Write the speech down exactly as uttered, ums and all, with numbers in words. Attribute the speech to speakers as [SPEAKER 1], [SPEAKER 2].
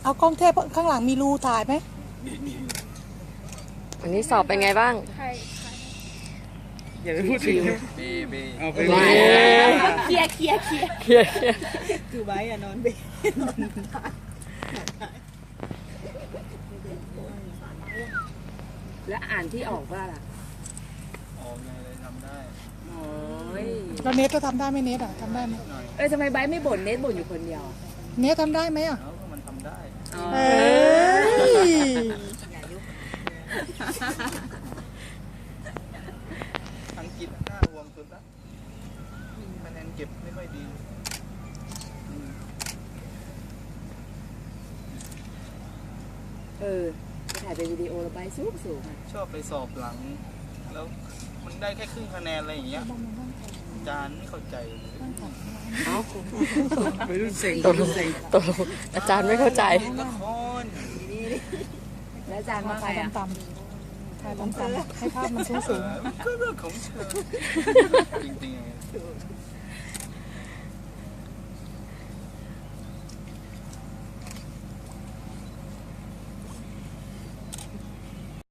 [SPEAKER 1] เอากล้องเทพข้างหลังมีรูถ่ายไหม
[SPEAKER 2] วันนี้สอบเป็นไงบ้าง
[SPEAKER 3] อย่าไปพูดถึงเบเบเอาไปเบ
[SPEAKER 4] เคลียร์เคลียร์เคลียร์
[SPEAKER 2] เคลียร์
[SPEAKER 4] คือไว้อะนอนเบนอนแล้วอ่านที่ออกว่าล่ะ
[SPEAKER 3] ออกไงเลยทำได้
[SPEAKER 4] โอ้ย
[SPEAKER 1] แล้วเนทก็ทำได้ไหมเนทอ่ะทำได้ไหม
[SPEAKER 4] เออทำไมไบไม่บ่นเนทบ่นอยู่คนเดียว
[SPEAKER 1] เนททำได้ไหมอ่ะ
[SPEAKER 3] มันทำได้
[SPEAKER 1] เอ้ย
[SPEAKER 3] อังกฤษน่าห่วงสุดละคะแนนเก็บไม่ค่อยดี
[SPEAKER 4] เออถ่ายเป็นวิดีโอแล้วไปสูงสูง
[SPEAKER 3] ชอบไปสอบหลังแล้วมันได้แค่ครึ่งคะแนนอะไรอย่างเงี้ยอาจารย์ไม่เข้าใจ
[SPEAKER 2] เอ้าไม่รู้เสียงตกลงตกลงอาจารย์ไม่เข้าใจ
[SPEAKER 3] ละคร
[SPEAKER 4] แล้วอาจารย์ว่าไงอ่ะ
[SPEAKER 1] ต่ำๆถ่ายต่ำๆให้ภาพมันสูงๆ
[SPEAKER 3] ก็เรื่องของเธอจริงๆ